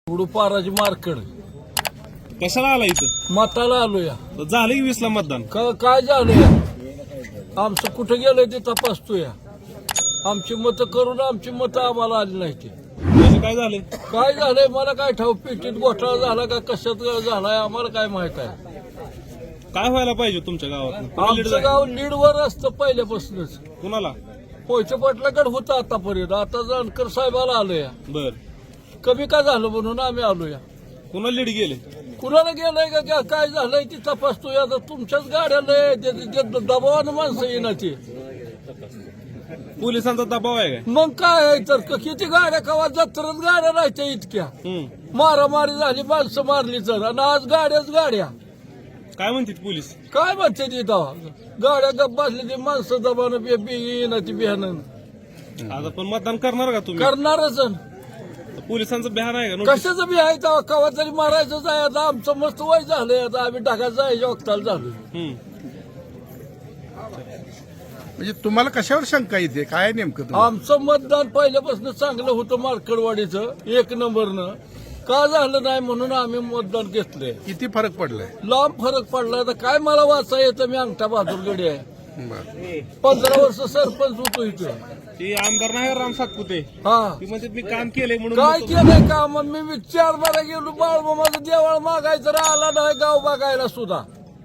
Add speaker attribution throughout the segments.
Speaker 1: उडुपाराजी marked
Speaker 2: कशाला आला इथं?
Speaker 1: मताला आलो या.
Speaker 2: झालं की 20 ला मतदान.
Speaker 1: काय झालं या? आमचं कुठं गेलंय ते तपासतो या. आमची मतं करून आमची मतं आम्हाला आली नाही ते.
Speaker 2: म्हणजे काय झाले?
Speaker 1: काय झालंय मला काय ठाऊक. पेटीत घोटाळा झाला का कशात झालाय आम्हाला काय माहित आहे.
Speaker 2: काय व्हायला पाहिजे तुमच्या गावात?
Speaker 1: आमचं गाव लीडवर असतं पहिल्यापासूनच.
Speaker 2: कुणाला?
Speaker 1: पोयचे पाटलाकडे होतं आतापर्यंत. आता जानकर साहेबाला आलो या.
Speaker 2: बर,
Speaker 1: कमी का झालं म्हणून आम्ही आलो या.
Speaker 2: कुणाला लीड गेले?
Speaker 1: कुणाला गेलंय का काय झालंय ती तपासतोय. आता तुमच्याच गाड्या लय दबावानं माणसं येणार ते.
Speaker 2: पोलिसांचा दबाव आहे काय?
Speaker 1: मग काय आहे तर किती गाड्या कवा जत्रच गाड्या राहायच्या इतक्या. मारामारी झाली माणसं मारली तर. आणि आज गाड्या
Speaker 2: काय म्हणतात पोलीस?
Speaker 1: काय म्हणते ती दवा गाड्या गप बसली ती माणसं दबानं येणार ती बिहानं.
Speaker 2: आता पण मतदान करणार का तुम्ही?
Speaker 1: करणारच.
Speaker 2: पोलिसांचं बिहान आहे का?
Speaker 1: कशाचं बी आहे तेव्हा कवा तरी मारायचंच आहे. आता आमचं मस्त वय झालंय. आता आम्ही ढगाचं जायच्या वक्ताला झालो.
Speaker 3: म्हणजे तुम्हाला कशावर शंका येते? काय नेमकं तुम्हाला?
Speaker 1: आमचं मतदान पहिल्यापासून चांगलं होतं मार्कडवाडीचं 1 नंबरनं. का झालं नाही म्हणून आम्ही मतदान घेतलंय.
Speaker 3: किती फरक पडलाय?
Speaker 1: लांब फरक पडला. तर काय मला वाचा येतं. मी अंगठा बहादूरगडी आहे.
Speaker 3: बरं.
Speaker 1: 15 वर्ष सरपंच होतो इथं.
Speaker 2: ते आमदार नाही राम सातपुते,
Speaker 1: हा
Speaker 2: ती म्हणतात मी काम केलंय म्हणून.
Speaker 1: काय केलंय का? मग मी 4 बारा गेलो बाळमामाचं देवाळ मागायचं आला नाही गाव बघायला सुद्धा.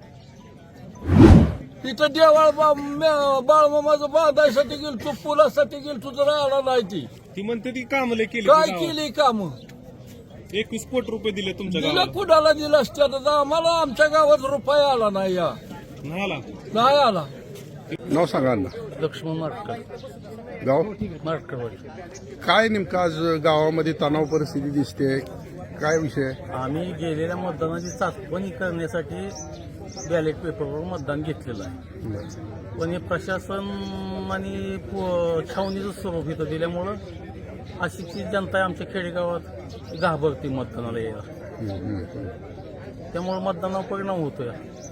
Speaker 1: तिथं देवाळ बाळमामाचं बांधायसाठी गेलो तू पुलासाठी गेलो तू तर आला नाही
Speaker 2: ती म्हणते ती काम लय केली.
Speaker 1: काय केली काम?
Speaker 2: 21 कोटी रुपये दिले तुमच्या
Speaker 1: दिलं
Speaker 2: गावाला.
Speaker 1: कुणाला दिलं असतं तर आम्हाला आमच्या गावात रुपये आला नाही या.
Speaker 2: नाही आला.
Speaker 1: नाही आला.
Speaker 3: नाव सांगा ना.
Speaker 1: लक्ष्मण मार्कड
Speaker 3: गाव
Speaker 1: मार्कडवाडी.
Speaker 3: काय नेमकं आज गावामध्ये तणाव परिस्थिती दिसते? काय विषय?
Speaker 4: आम्ही गेलेल्या मतदानाची चाचपणी करण्यासाठी बॅलेट पेपरवर मतदान घेतलेलं आहे. पण हे प्रशासन आणि छावणीचं स्वरूप इथं दिल्यामुळं अशीची जनता आमच्या खेडेगावात घाबरती मतदानाला यायला. त्यामुळे मतदानावर परिणाम होतोय.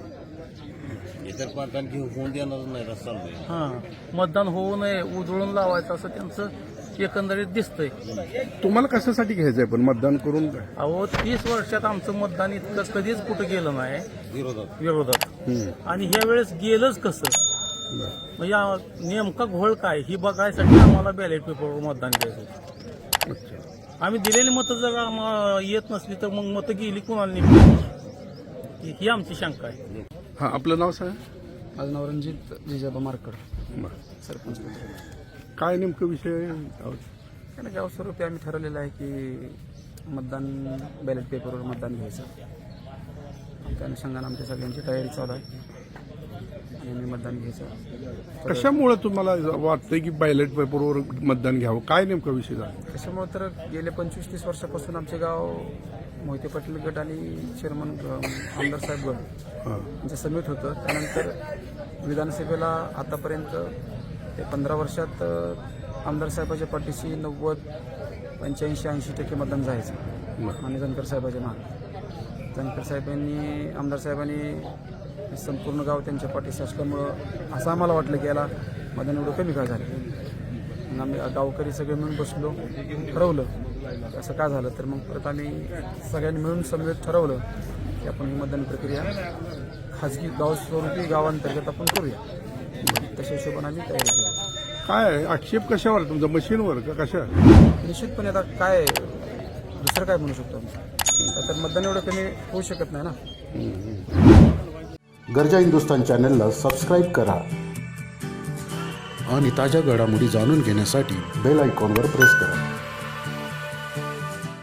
Speaker 5: इतर मतदान होऊन देणार नाही रस्ता.
Speaker 4: मतदान होऊ नये उधळून लावायचं असं त्यांचं एकंदरीत दिसतंय.
Speaker 3: तुम्हाला कशासाठी घ्यायचंय पण मतदान करून? काय
Speaker 4: अहो 30 वर्षात आमचं मतदान इतकं कधीच कुठं गेलं नाही विरोधात. आणि ह्या वेळेस गेलंच कसं? म्हणजे नेमका घोळ काय ही बघायसाठी आम्हाला बॅलेट पेपरवर मतदान द्यायचं होतं. आम्ही दिलेली मतं जर येत नसली तर मग मतं गेली कुणाला निघली ही आमची शंका आहे.
Speaker 3: हा, आपलं नाव सांगा.
Speaker 6: माझं नाव रणजित जिजाबा मार्कड,
Speaker 3: बरं.
Speaker 6: सरपंच.
Speaker 3: काय नेमकं विषय?
Speaker 6: कारण गाव स्वरूपी आम्ही ठरवलेलं आहे की मतदान बॅलेट पेपरवर मतदान घ्यायचं. त्या अनुषंगाने आमच्या सगळ्यांची तयारी चालू आहे आणि आम्ही मतदान घ्यायचं.
Speaker 3: कशामुळे तुम्हाला वाटतंय की बॅलेट पेपरवर मतदान घ्यावं? काय नेमका विषय झाला?
Speaker 6: त्याच्यामुळे तर गेले 25-30 वर्षापासून आमचे गाव मोहिते पाटील गट आणि चेअरमन आमदार साहेब गट यांचं समिट होतं. त्यानंतर विधानसभेला आतापर्यंत ते 15 वर्षात आमदार साहेबाच्या पाठीशी 90, 85, 80% मतदान जायचं. आणि जानकर साहेबाच्या मागे जानकर साहेबांनी आमदार साहेबांनी संपूर्ण गाव त्यांच्या पाठीशी असल्यामुळं असं आम्हाला वाटलं की याला मतदान एवढं कमी काय झालं. मग आम्ही गावकरी सगळे मिळून बसलो, ठरवलं असं काय झालं. तर मग परत आम्ही सगळ्यांनी मिळून समवेत ठरवलं की आपण ही मतदान प्रक्रिया खाजगी गाव स्वरूपी गावांतर्गत आपण करूया. तशा हिशोबाने आम्ही तयारी केली.
Speaker 3: काय आक्षेप कशावर तुमचा? मशीनवर का कशा?
Speaker 6: निश्चितपणे आता काय दुसरं काय म्हणू शकतो आम्ही? तर मतदान एवढं कमी होऊ शकत नाही ना.
Speaker 7: गरजा हिंदुस्तान चॅनलला सबस्क्राईब करा आणि ताज्या घडामोडी जाणून घेण्यासाठी बेल आयकॉनवर प्रेस करा.